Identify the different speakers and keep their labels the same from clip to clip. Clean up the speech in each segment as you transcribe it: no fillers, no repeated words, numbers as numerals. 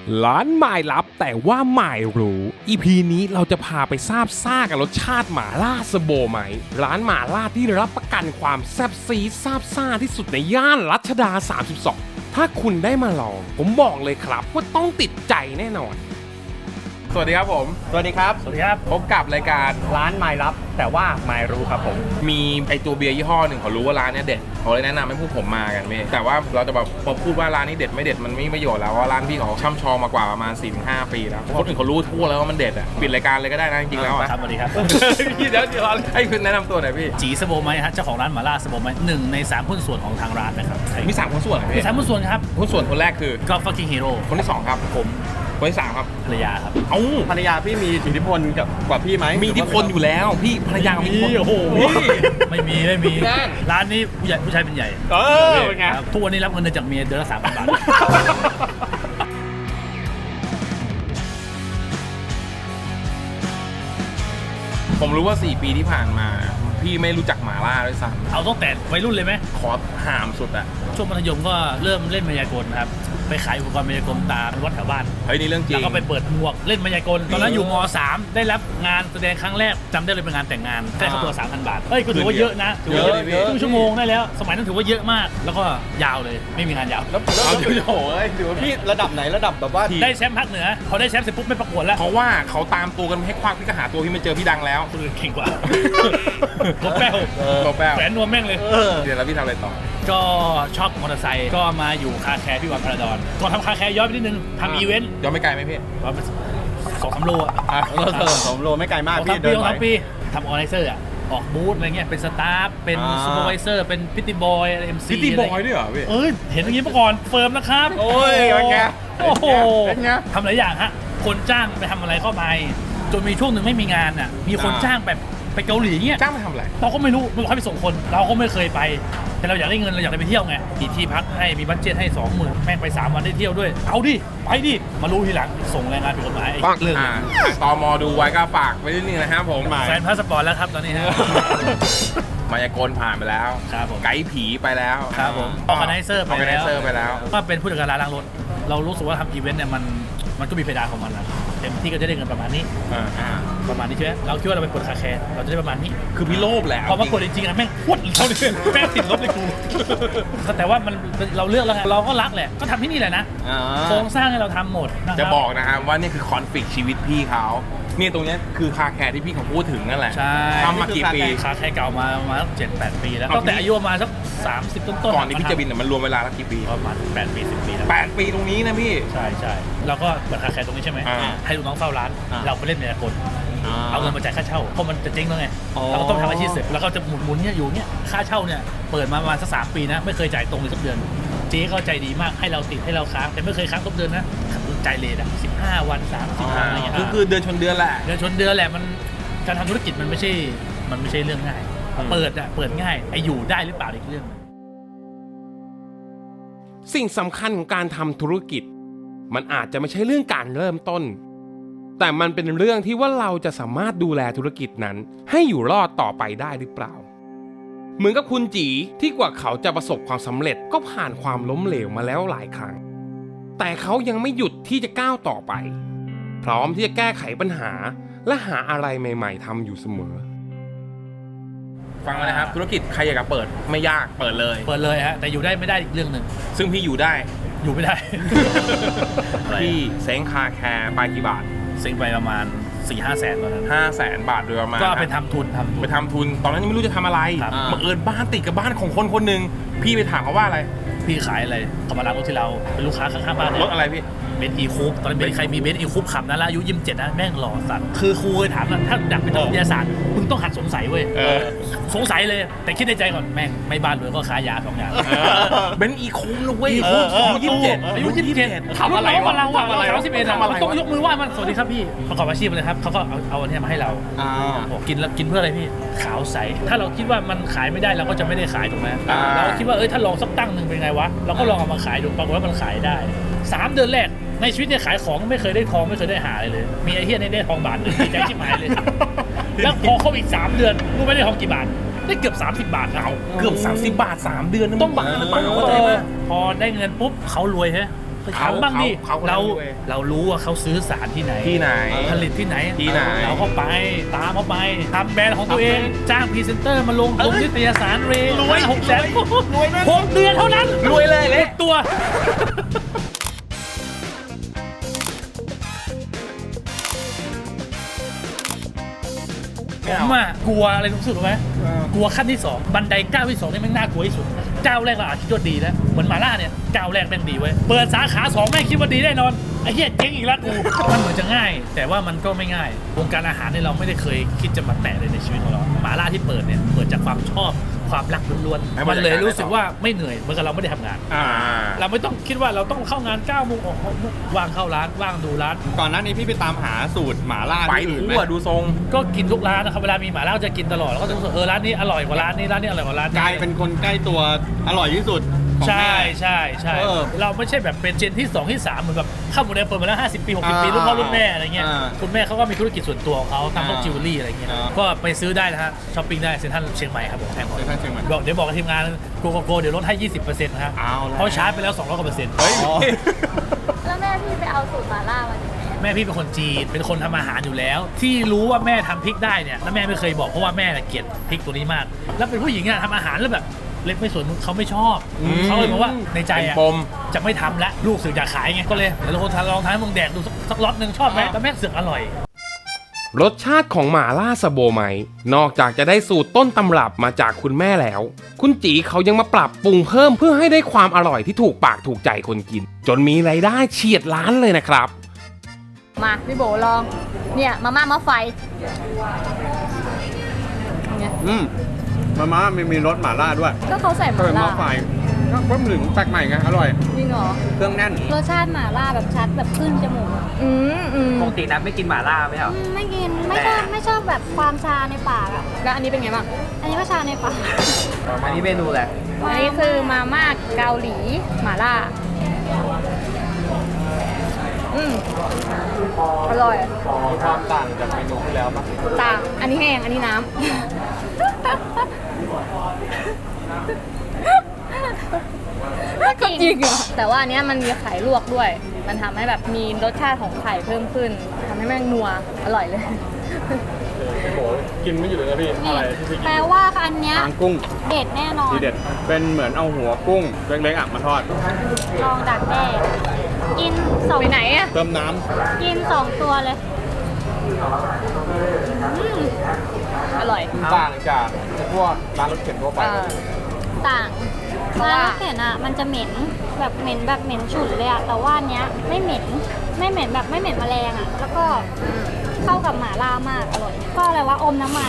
Speaker 1: ร้านหมายลับแต่ว่าหมายรู้ EP นี้เราจะพาไปทราบซ่ากับรสชาติหม่าล่าสโบไหมร้านหม่าล่าที่รับประกันความแซ่บซีดซาบซ่าที่สุดในย่านรัชดา 32 ถ้าคุณได้มาลองผมบอกเลยครับว่าต้องติดใจแน่นอน
Speaker 2: สวัสดีครับผม
Speaker 3: สวัสดีครับ
Speaker 2: สวัสดีครับ พบกับรายการ
Speaker 3: ร้านไม้ลับแต่ว่าไม้รู้ครับผม
Speaker 2: มีไอตัวเบียร์ยี่ห้อหนึ่งเขารู้ว่าร้านเนี้ยเด็ดเขาเลยแนะนำให้พวกผมมากันพี่แต่ว่าเราจะแบบพอพูดว่าร้านนี้เด็ดไม่เด็ดมันไม่มีประโยชน์แล้วเพราะร้านพี่เขาช่ำชองมากว่าประมาณ 4-5 ปีแล้วคนอื่นเขารู้ทั่วแล้วว่ามันเด็ดอ่ะปิดรายการเลยก็ได้นะจริงๆแล้วอ่ะ
Speaker 4: ครับสวัสดีครับ
Speaker 2: พี่เดี๋ยวให้คุณแนะนำตัวหน่อยพี่
Speaker 4: จีสโบไมฮะเจ้าของร้านหมาล่าสโบไมหนึ่งใน3หุ้นส่วนของทางร้านนะครับ
Speaker 2: มี3คนส่วนเหรอ
Speaker 4: มี
Speaker 2: พี่
Speaker 4: 3หุ้นส่วนครับ
Speaker 2: หุ้นส่วนคนแรกคือ
Speaker 4: ก็ฟักกิ้งฮีโร่
Speaker 2: คนที่2ครับ
Speaker 4: ผม
Speaker 2: คนที่3ครับ
Speaker 4: ภรรยาครับ
Speaker 2: เอ้า
Speaker 3: ภรรยาพี่มีอิทธิพลกว่าพี่ไหม
Speaker 2: มีอิทธิพลอยู่แล้วพี่ภรรยามีอิทธิพล
Speaker 3: โอ้โห
Speaker 4: ไม่มี
Speaker 2: นั่น
Speaker 4: ร้านนี้ผู้ชายเป็นใหญ่
Speaker 3: เป็นไง
Speaker 4: ครับทุกวันนี้รับเงินเดือนจากเมียเดือนละ3,000 บาท
Speaker 2: ผมรู้ว่า 4 ปีที่ผ่านมาพี่ไม่รู้จักหม่าล่าด้วยซ้
Speaker 4: เอาตั้งแต่วัยรุ่นเลยไหม
Speaker 2: ำขอหามสุดอะ
Speaker 4: ช่วงมัธยมก็เริ่มเล่นมายากลครับไปขายอุปกรณ์มายากลตามวัดแถวบ้าน
Speaker 2: เฮ้ยนี่เรื่องจริ
Speaker 4: แล้
Speaker 2: ง
Speaker 4: วก็ไปเปิดหมวกเล่นมายากลตอนนั้นอยู่ม .3 ได้รับงานแสดงครั้งแรกจำได้เลยเป็นงานแต่งงานได้ค่าตัว 3,000 บาทเฮ้ยก็ถือว่าเยอะนะถือว่า
Speaker 2: เยอะ
Speaker 4: ครึ่งชั่วโมงได้แล้ว สมัยนั้นถือว่าเยอะมาก แล้วก็ยาวเลยไม่มีงานยาว
Speaker 3: แล้ว
Speaker 2: เอาเดี๋ยวโอ้ย
Speaker 3: ถือว่าพี่ระดับไหนระดับแบบว่า
Speaker 4: ได้แชมป์ภาคเหนือพอได้แชมป์เสร็จปุ๊บไม่ประกวดแล้ว
Speaker 2: เพราะว่าเขาตามตัวกันให้ควักพี่ก็หาตัวพี่ไม่เจอพี่ดังแล้ว
Speaker 4: คนอื่นเก่งกว่า รถแป้ว
Speaker 2: ตัวแป้ว
Speaker 4: แหวนนวมแม่งเลย
Speaker 2: เดี๋ยวแล้วพี่ทำอะไรต่อ
Speaker 4: ก็ชอบมอเตอร์ไซค์ก็มาอยู่คาแคร์ที่วัดพระดอนก่อนทำคาแคร์ย้อนไปนิดนึงทำอีเวนต์
Speaker 2: ย้อนไม่ไกลไหมพี่
Speaker 4: ประมาณ2-3 โลอะ
Speaker 3: ผมโลไม่ไกลมาก
Speaker 4: สอง
Speaker 3: พี่
Speaker 4: สาม
Speaker 3: เดิ
Speaker 4: ปี
Speaker 3: น
Speaker 4: สอง
Speaker 3: ไป
Speaker 4: สามปีทำออร์แกไนเซอร์อะออกบูธอะไรเงี้ยเป็นสตาฟเป็น
Speaker 3: อ่า
Speaker 4: ซูเปอร์ไวเซอร์เป็นพิตตี้บอยเอ็มซี
Speaker 2: ซิตี้บอยด้วยเหรอพี่
Speaker 4: เอ้ยเห็นอย่างนี้มาก่อนเฟิร์มนะครับ
Speaker 3: โอ้ยเป็นไง
Speaker 4: โอ้โห
Speaker 3: เป็นไง
Speaker 4: ทำหลายอย่างฮะคนจ้างไปทำอะไรก็ไปจนมีช่วงหนึ่งไม่มีงานอ่ะมีคนจ้างแบบไปเกาหลีเงี้ย
Speaker 2: จ้างมาทำอะไร
Speaker 4: เราก็ไม่รู้มันบอกให้ไปส่งคน เราก็ไม่เคยไป แต่เราอยากได้เงินเราอยากได้ไปเที่ยวไงมีที่พักให้มีบัดเจ็ตให้ 20,000แม่งไป3 วันได้เที่ยวด้วยเอาดิไปดิมารู้ทีหลังส่งแรงงานผิดกฎหมายไอ้เรื่อง
Speaker 2: ตมดูไว้ก็ฝากไว้นิดนึงนะครับผม
Speaker 4: แฟนพาสปอร์ตแล้วครับตอนนี้ฮะ
Speaker 2: มายากลผ่านไปแล้ว
Speaker 4: ครับผม
Speaker 2: ไกด์ผีไปแล้ว
Speaker 4: ครับผมออร์แกไนเซอร์
Speaker 2: ออร์แกไนเซอร์ไปแล้ว
Speaker 4: ก็เป็นผู้จัดการร้านล้างรถ เรารู้สึกว่าทำอีเวนต์เนี่ยมันก็มีเพดานของมันนะเต็มที่ก็จะได้เงินประมาณนี้ ประมาณนี้ใช่ไหมเราคิดว่าเราไปเปิดคาแคร์เราจะได้ประมาณนี้
Speaker 2: คือพี่โลภแหละ
Speaker 4: พอมากดจริงๆอะแม่งพวดเราเลยแม่งติดลบเลยกูแต่ว่ามันเราเลือกแล้วไงเราก็รักแหละก็ทำที่นี่แหละนะ
Speaker 3: อ่า
Speaker 4: โครงสร้างให้เราทำหมดนะครับ
Speaker 2: จะบอกนะครับว่านี่คือคอนฟ lict ชีวิตพี่เขาเนี่ยตรงเนี้ยคือคาแคร์ที่พี่เขาพูดถึงนั่นแหละ
Speaker 4: ใช่
Speaker 2: ทำมากี่ปี
Speaker 4: คาแคร์เก่ามาประมาณสัก7-8 ปีแล้ว
Speaker 2: ก่อน
Speaker 4: ตั้งแต่อายุประมาณสัก30 ต้นๆ
Speaker 2: ก่อนที่พี่จะบินเนี่ยมันรวมเวลาแล้วกี่ปี
Speaker 4: ประมาณ8 ปี 10 ปีแล้ว
Speaker 2: 8 ปีตรงนี้นะพี่
Speaker 4: ใช่ใช่เราก็เปิดคาแคร์ตรงนี้ใช่ไหม
Speaker 2: อ่า
Speaker 4: ให้ลูกน้องเฝ้าร้าน
Speaker 3: อ่า
Speaker 4: เราไปเล่นในกลเอาเงินมาจ่ายค่าเช่าเพราะมันจะเจ๊งแล้วไง
Speaker 3: อ๋อ
Speaker 4: เราก็ต้องทำอาชีพเสร็จแล้วก็จะหมุนเนี่ยอยู่เนี่ยค่าเช่าเนี่ยเปิดมาประมาณสัก3 ปีนะไม่เคยจ่ายตรงเลยสักเดือนเจ๊ก็ใจดีมากให้เราติดให้เราค้างแต่ไม่เคยค้างทุกเดือนนะจ่ายเลทอะ15 วัน30 วันอะไรอย่างเงี้ย
Speaker 2: คือเดือนชนเดือนแหละ
Speaker 4: เดือนชนเดือนแหละมันการทำธุรกิจมันไม่ใช่เรื่องง่าย เปิดง่ายไอ้อยู่ได้หรือเปล่าอีกเรื่อง
Speaker 1: สิ่งสำคัญของการทำธุรกิจ มันอาจจะไม่ใช่เรื่องการเริ่มต้น แต่มันเป็นเรื่องที่ว่าเราจะสามารถดูแลธุรกิจนั้น ให้อยู่รอดต่อไปได้หรือเปล่า เหมือนกับคุณจีที่กว่าเขาจะประสบความสำเร็จก็ผ่านความล้มเหลวมาแล้วหลายครั้ง แต่เขายังไม่หยุดที่จะก้าวต่อไป พร้อมที่จะแก้ไขปัญหาและหาอะไรใหม่ๆทำอยู่เสมอ
Speaker 2: ฟังมานะครับธุรกิจใครอยากจะเปิดไม่ยากเปิดเลย
Speaker 4: เปิดเลยฮะแต่อยู่ได้ไม่ได้อีกเรื่องหนึ่ง
Speaker 2: ซึ่งพี่อยู่ได้
Speaker 4: อยู่ไม่ได้
Speaker 2: พี่เซ้งคาแคร์ไปกี่บาท
Speaker 4: เซ็งไปประมาณ 4-5 แสนตอนนั้น
Speaker 2: 500,000 บาทโดยประมาณ
Speaker 4: ก็ไปทำทุน
Speaker 2: ไปทำทุนตอนนั้นยังไม่รู้จะทำอะไร
Speaker 4: ครับ
Speaker 2: บังเอิญบ้านติดกับบ้านของคนคนหนึ่งพี่ไปถามเขาว่าอะไร
Speaker 4: พี่ขายอะไรเขามารับรถที่เราเป็นลูกค้าข้างๆบ้าน
Speaker 2: ร
Speaker 4: เนี่ย
Speaker 2: ถอะไรพี่
Speaker 4: เบนซ์อีคูปตอนนั้นเบนซ์ใครมีเบนซ์อีคูปขับนะแล้วอายุ27นะแม่งหล่อสัตว์คือครูเคยถามนะถ้าอยากเป็นนักวิทยาศาสตร์มึงต้องหัดสงสัยเว้ย
Speaker 2: เออ
Speaker 4: สงสัยเลยแต่คิดในใจก่อนแม่งไม่บ้านรวยก็ค้ายา2 อย่าง
Speaker 2: เบนซ์อีคุ้มนะเว้ย
Speaker 4: อีคุ้ม
Speaker 2: อายุ27
Speaker 4: อายุ27
Speaker 2: ทำอะไรวะ
Speaker 4: เราอะ
Speaker 2: ทำอะไรวะ
Speaker 4: 31
Speaker 2: ทำอะไรวะ
Speaker 4: ต้องยกมือไหว้มันสวัสดีครับพี่ประกอบอาชีพเลยครับเขาก็เอาอันเนี้ยมาให้เรา
Speaker 3: อ่า
Speaker 4: บอกกินแล้วกินเพื่ออะไรพี่ขาวใสถ้าเราคิดว่ามันขายไม่ได้เราก็จะไม่ได้ขายถูกไหม
Speaker 2: อ่า
Speaker 4: เราก็คิดว่าถ้าลองสักตั้งหนึ่งเป็นไงวะเราก็ลองเอามาขายดูปรากฏว่ามันขายได้ 3 เดือนแรกในชีวิตเนี่ยขายของไม่เคยได้ทองไม่เคยได้หาเลยมีไอ้เหี้ยนี่ได้ทองบาทหนึ่งดีใจชิบหายเลย แล้วพอเข้าอีก 3 เดือนรู้ไหมได้ทองกี่บาทได้เกือบ30 บาทเอา
Speaker 2: เกือบ30 บาท 3 เดือนนะ
Speaker 4: ต้องบาท
Speaker 2: ห
Speaker 4: ห
Speaker 2: รื
Speaker 4: รือ อ
Speaker 2: เป
Speaker 4: เป
Speaker 2: ล่า
Speaker 4: ล่า
Speaker 2: เข้าใจไหม
Speaker 4: พอได้เงินปุ๊บเขารวยฮะถามบ้างดิ
Speaker 2: เขา
Speaker 4: เรารู้ว่าเขาซื้อสารที่ไหน
Speaker 2: ที่ไหน
Speaker 4: ผลิตที่ไหน
Speaker 2: ที่ไหน
Speaker 4: เราก็ไปตามเขาไปทำแบรนด์ของตัวเองจ้างพรีเซนเตอร์มาลงนิตยสารเรย์600,000 6 เดือนเท่านั้น
Speaker 2: รวยเลยเลย
Speaker 4: ตัว ผมอะกลัวอะไรรู้สึกไหมกลัวขั้นที่ 2 บันไดก้าวที่ 2นี่แม่งน่ากลัวที่สุดก้าวแรกเราอาจคิดว่าดีแล้วเหมือนหมาล่าเนี่ยก้าวแรกแม่งดีเว้ยเปิดสาขา 2แม่งคิดว่าดีแน่นอนไอ้เหี้ยเจ๊งอีกแล้วกูมันเหมือนจะง่าย แต่ว่ามันก็ไม่ง่ายวงการอาหารเนี่ยเราไม่ได้เคยคิดจะมาแตะเลยในชีวิตของเราหมาล่าที่เปิดเนี่ยเปิดจากความชอบความรักล้วนๆมันเลยรู้สึกว่าไม่เหนื่อยเหมือนกับเราไม่ได้ทำงาน เราไม่ต้องคิดว่าเราต้องเข้างาน9 โมงออก6 โมงว่างเข้าร้านว่างดูร้าน
Speaker 3: ก่อนหน้านี้พี่ไปตามหาสูตรหม่าล่า
Speaker 2: ไป
Speaker 3: ที่อื่นไหม
Speaker 2: ทั่วดูทรง
Speaker 4: ก็กินทุกร้านนะครับเวลามีหม่าล่าก็จะกินตลอดแล้วก็จะรู้สึกร้านนี้อร่อยกว่าร้านนี้ร้านนี้อร่อยกว่าร้านนี้
Speaker 3: กลายเป็นคนใกล้ตัวอร่อยที่สุดของ
Speaker 4: ใช่
Speaker 3: แม่
Speaker 4: ใช่ใช่
Speaker 3: เออ
Speaker 4: เราไม่ใช่แบบเป็นเจนที่ 2 ที่ 3เหมือนแบบข้าวหมูแดงเปิดมาแล้ว50 ปี 60 ปีรุ่นพ่อรุ่นแม่อะไรเงี้ยคุณแม่เขาก็มีธุรกิจส่วนตัวของเขาทำพวกจิวเวลรี่อะไรเงี้ยก็ไปซื้อได้นะฮะช้อปปิ้งได้เซ็นทรัลเชียงใหม่ครับผมแพงกว่า
Speaker 3: เซ็นทรัลเชียงใหม่
Speaker 4: บอกเดี๋ยวบอกกับทีมงานโกโก้เดี๋ยวลดให้ 20%นะฮะ
Speaker 3: เอาละ
Speaker 4: เพราะชาร์จไปแล้ว200 กว่าเปอร์เซ็นต์
Speaker 3: เฮ้ย
Speaker 5: แล้วแม่พี่ไปเอาสูตรหมาล่ามาจากไหนอะ
Speaker 4: แม่พี่เป็นคนจีนเป็นคนทำอาหารอยู่แล้ว ที่รู้ว่าแม่ทำพริกได้เนี่ยแล้วแม่ไม่เคยบอกเพราะว่าแม่น่ะเกลียดพริกตัวนี้มาก แล้วเป็นผู้หญิงอะทำอาหารแล้วแบบเล็กไม่สนเขาไม่ชอบเขาเลยบอกว่าในใจอะ
Speaker 2: เป็นปม
Speaker 4: จะไม่ทำละลูกสึกอยากขายไงก็เลยเดี๋ยวเราลองทำให้มึงแดกดูสักล็อตหนึ่งชอบไหมแล้วแม่งเสือกอร่อย
Speaker 1: รสชาติของหม่าล่าสะโบไหมนอกจากจะได้สูตรต้นตำรับมาจากคุณแม่แล้ว คุณจีเขายังมาปรับปรุงเพิ่มเพื่อให้ได้ความอร่อยที่ถูกปากถูกใจคนกิน จนมีรายได้เฉียดล้านเลยนะครับ
Speaker 5: มาพี่โบลอง เนี่ยมาม่ามาไฟเนี่ย
Speaker 3: มาม่ามีรสหม่าล่าด้วย
Speaker 5: ก็เขาใส่ห
Speaker 3: ก็
Speaker 5: มา
Speaker 3: เป็นหม้
Speaker 5: ล่า
Speaker 3: อไฟก็เพิ่มถึงแปลกใหม่ไงอร่อย
Speaker 5: จริงเหรอ
Speaker 3: เครื่องแน่น
Speaker 6: รสชาติหม่าล่าแบบชัดแบบขึ้นจมูกอะ
Speaker 7: ปกตินัดไม่กินหม่าล่าไหมเหรอ
Speaker 6: ไม่กินไม่ชอบแบบความชาในปากอ่ะ
Speaker 5: แล้วอันนี้เป็นไงบ้าง
Speaker 6: อันนี้ก็ชาในปาก
Speaker 7: อันนี้เมนูแหละ
Speaker 5: อันนี้คือมาม่าเกาหลีหมาล่าอร่อย
Speaker 3: มีความต่างจากเมนูที่แล้วปะ
Speaker 5: ต่างอันนี้แห้งอันนี้น้ำ ก็จริงเหรอแต่ว่าอันเนี้ยมันมีไข่ลวกด้วย มันทำให้แบบมีรสชาติของไข่เพิ่มขึ้นทำให้แม่งนัวอร่อยเลย
Speaker 3: กินไม่หยุดเลยนะพี่ อะไรที่พี่กิน
Speaker 6: แปลว่าอันเนี้ย
Speaker 3: หางกุ้ง
Speaker 6: เด็ดแน่นอน
Speaker 3: ทีเด็ด เป็นเหมือนเอาหัวกุ้งเล็กๆอ่ะมาทอด
Speaker 6: ลองดักแด้กินสอง
Speaker 5: ไปไหนอะ
Speaker 3: เติมน้
Speaker 6: กิน2 ตัวเลย
Speaker 5: อร่อย
Speaker 3: ำต่างจากพวกร้านรถเข็นทั่วไป
Speaker 6: ต่าง
Speaker 5: เพราะว่า
Speaker 6: ร้นรถเข็นอ่ะมันจะเหม็นแบบเหม็นแบบเหม็นฉุนเลยอ่ะแต่ว่าอันเนี้ยไม่เหม็นแบบไม่เหม็นแมลงอ่ะแล้วก็เข้ากับหม่าล่ามากอร่อย ก็อะไรว่าอมน้ำมัน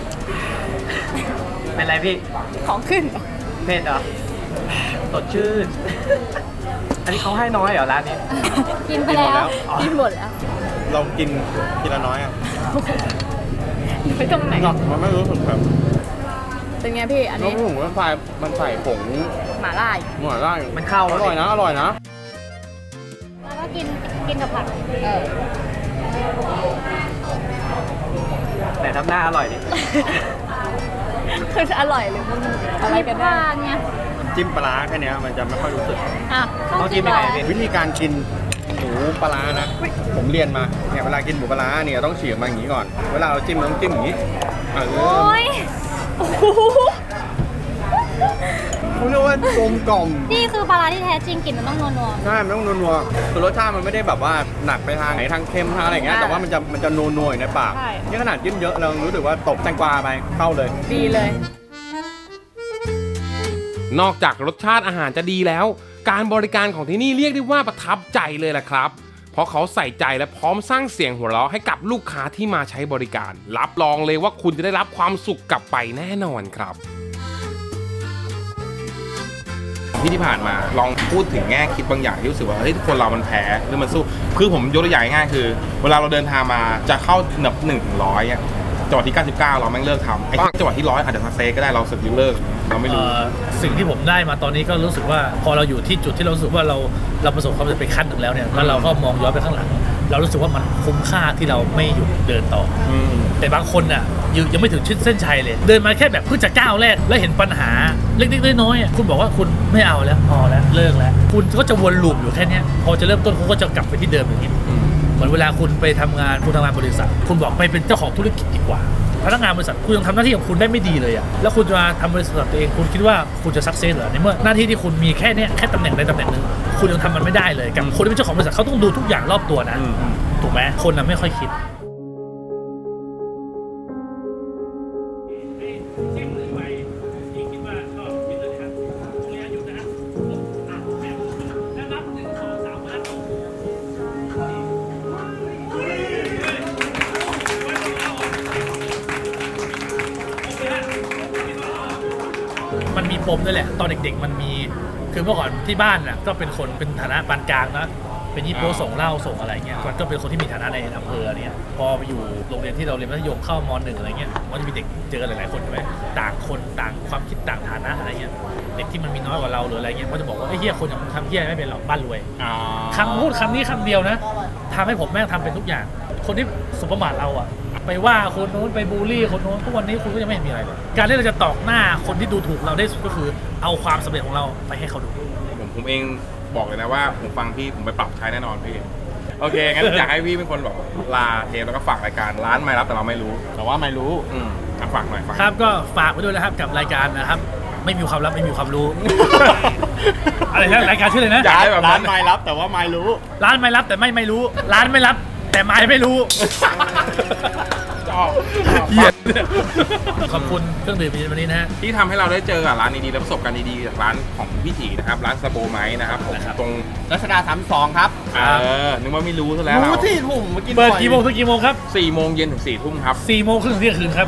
Speaker 7: เป็นไรพี่
Speaker 5: ของขึ้น
Speaker 7: เผ็ดเหรอ สดชื่น อันนี้เขาให้น้อยเหรอร้านนี้
Speaker 6: กินไปแล้ว
Speaker 5: กินหมดแล้ว
Speaker 3: เรากินทีละน้อยอ่ะ
Speaker 5: ไปตรงไหน
Speaker 3: มันไม่รู้สึกแบบ
Speaker 5: เป็นไงพี่ อัน
Speaker 3: น้
Speaker 5: นี้
Speaker 3: ำผงมันใส่ผง
Speaker 5: หมาล่า
Speaker 3: หม่าล่า
Speaker 7: มันเข้า
Speaker 3: อร่อยนะ อร่อยนะ
Speaker 6: แล้วก็กินกับผัก
Speaker 7: แต่ทำหน้าอร่อยดิ
Speaker 5: คืออร่อยหรือมันอะไรกัน
Speaker 6: ว่า
Speaker 5: แน่
Speaker 6: เนี่ย
Speaker 3: จิ้มปลาร้าแค่เนี้ยมันจะไม่ค่อยรู้สึก
Speaker 5: อ่ะ
Speaker 7: ต้องจิ้มยังไงพี่
Speaker 3: วิธีการกินหมูปลาร้านะ ผมเรียนมาเนี่ยเวลากินหมูปลาร้าเนี่ยต้องฉีกมาอย่างนี้ก่อน เวลาเราจิ้มต้องจิ้มอย่างนี้เอ
Speaker 6: โอ้
Speaker 3: อย เขาเรียกว่ากลมกล่อม
Speaker 6: นี่คือปลาร้าที่แท้จริงกลิ่นมันต้องนัว
Speaker 3: ใช่มันต้องนัวๆคือรสชาติมันไม่ได้แบบว่าหนักไปทางไหนทางเค็มทางอะไรอย่างเงี้ยแต่ว่ามันจะนัวๆอยู่ในปากนี่ขนาดจิ้มเยอะเรารู้สึกว่าตบแตงกวาไปเข้าเลย
Speaker 5: ดีเลย
Speaker 1: นอกจากรสชาติอาหารจะดีแล้ว การบริการของที่นี่เรียกได้ว่าประทับใจเลยล่ะครับ เพราะเขาใส่ใจและพร้อมสร้างเสียงหัวเราะให้กับลูกค้าที่มาใช้บริการ รับรองเลยว่าคุณจะได้รับความสุขกลับไปแน่นอนครับ
Speaker 2: ที่ผ่านมาลองพูดถึงแง่คิดบางอย่างที่รู้สึกว่าเฮ้ยคนเรามันแพ้หรือมันสู้คือผมยกตัวอย่างง่ายๆคือ เวลาเราเดินทางมาจะเข้าหนับ1 ถึง 100อ่ะจังหวะที่99เราแม่งเลิกทำไอ้จังหวะที่100อาจจะมาเซก็ได้เราสึกเลิกเราไม่รู้
Speaker 4: สิ่งที่ผมได้มาตอนนี้ก็รู้สึกว่าพอเราอยู่ที่จุดที่เรารู้สึกว่าเราประสบความสำเร็จไปขั้นหนึ่งแล้วเนี่ยแล้วเราก็มองย้อนไปข้างหลังเรารู้สึกว่ามันคุ้มค่าที่เราไม่หยุดเดินต่ออแต่บางคนน่ะยังไม่ถึงเส้นชัยเลย เดินมาแค่แบบเพิ่งจะก้าวแรกแล้วเห็นปัญหาเล็กๆน้อยๆคุณบอกว่าคุณไม่เอาแล้วพอแล้วเลิกแล้วคุณก็จะวนลูปอยู่แค่เนี้ยพอจะเริ่มต้นคุณก็จะกลับไปที่เดิมอย่างนี้เหมือนเวลาคุณไปทำงานบริษัทคุณบอกไปเป็นเจ้าของธุรกิจดีกว่าพนักงานบริษัทคุณยังทำหน้าที่ของคุณได้ไม่ดีเลยอ่ะแล้วคุณจะมาทำบริษัทตัวเองคุณคิดว่าคุณจะสักเซสเหรอในเมื่อหน้าที่ที่คุณมีแค่เนี้ยแค่ตำแหน่งใดตำแหน่งหนึ่งคุณยังทำมันไม่ได้เลยกับคนที่เป็นเจ้าของบริษัทเขาต้องดูทุกอย่างรอบตัวนะถูกไหมคนน่ะไม่ค่อยคิดมันมีปมด้วยแหละตอนเด็กๆมันมีคือเมื่อก่อนที่บ้านน่ะก็เป็นคนเป็นฐานะปานกลางนะเป็นยี่โป้ส่งเหล้าส่งอะไรเงี้ยมันก็เป็นคนที่มีฐานะในอำเภอเนี่ยพอไปอยู่โรงเรียนที่เราเรียนมัธยมเข้าม.1อะไรเงี้ยมันจะมีเด็กเจอหลายๆคนใช่ไหมต่างคนต่างความคิดต่างฐานะอะไรเงี้ยเด็กที่มันมีน้อยกว่าเราหรืออะไรเงี้ยก็จะบอกว่าไอ้เหี้ยคนอย่างมึงทำเหี้ยไม่เป็นหรอกบ้านรวยคำพูดคำนี้คำเดียวนะทำให้ผมแม่งทำเป็นทุกอย่างคนที่สมประมาทเราอะไปว่าคนโน้นไปบูลลี่คนโน้นทุกวันนี้คุณก็ยังไม่เห็นมีอะไรเลยการที่เราจะตอกหน้าคนที่ดูถูกเราได้สุดก็คือเอาความสำเร็จของเราไปให้เขาดู
Speaker 2: ผมเองบอกเลยนะว่าผมฟังพี่ผมไปปรับใช้แน่นอนพี่โอเคงั้นอยากให้พี่เป็นคนแบบลาเทปแล้วก็ฝากรายการร้านไม่รับแต่เราไม่รู้
Speaker 3: แต่ว่าไม่รู้
Speaker 2: ฝากหน่อย
Speaker 4: ครับก็ฝากไว้ด้วยนะครับกับรายการนะครับไม่มีความลับไม่มีความรู้ อะไรนะรายการชื่ออะไรนะ
Speaker 3: ร้านไม่รับแต่ว่าไม่รู้
Speaker 4: ร้านไม่รับแต่ไม่รู้ร้านไม่รับแต่ไม่รู้ขอบคุณเครื่องดื่มวันนี้นะฮะ
Speaker 2: ที่ทำให้เราได้เจอร้านดีๆและประสบการณ์ดีๆจากร้านของพี่ถีนะครับร้านสโบไม้นะครับผมตรง
Speaker 3: รัชดา32ครับ
Speaker 2: นึกว่าไม่รู้ซะแล้ว
Speaker 3: รู้ที่ผมเมื่อกี้
Speaker 4: เปิดกี่โมงถึงกี่โมงครับ
Speaker 2: 4 โมงเย็นถึง 4 ทุ่มครับ
Speaker 4: 4 โมงครึ่งถึงเที่ยงคืนครับ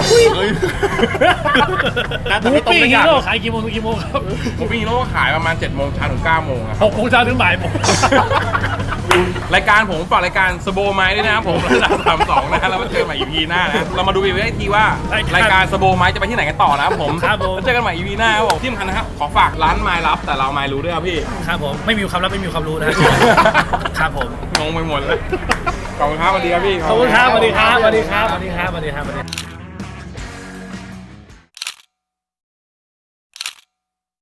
Speaker 4: หมูปิ้งฮีโร่ขายกี่โมงถึงกี่โมงครับ
Speaker 2: หมูปิ้งฮีโร่ขายประมาณ7 โมงเช้าถึง 9 โมงครับ
Speaker 4: 6 โมงเช้าถึงบ่ายโมง
Speaker 2: รายการผมฝากรายการสโบไม้ด้วยนะครับผมระดับ32นะแล้วมาเจอกันใหม่ EP หน้านะเรามาดูอีกทีว่ารายการสโบไม้จะไปที่ไหนกันต่อนะครับผมเจอกันใหม่ EP หน้าครับผมที่สำคัญนะครับขอฝากร้านไม้ลับแต่เราไม่รู้ด้วยครับพี่
Speaker 4: ครับผมไม่มีความลับไม่มีความรู้นะครับผม
Speaker 2: งงไปหมดเลยขอบคุณครับสวัสดีครับพี่
Speaker 4: ขอบคุณครับสวัสดีครับสวัสดีครับสวัสดีครับสวัสดีครับ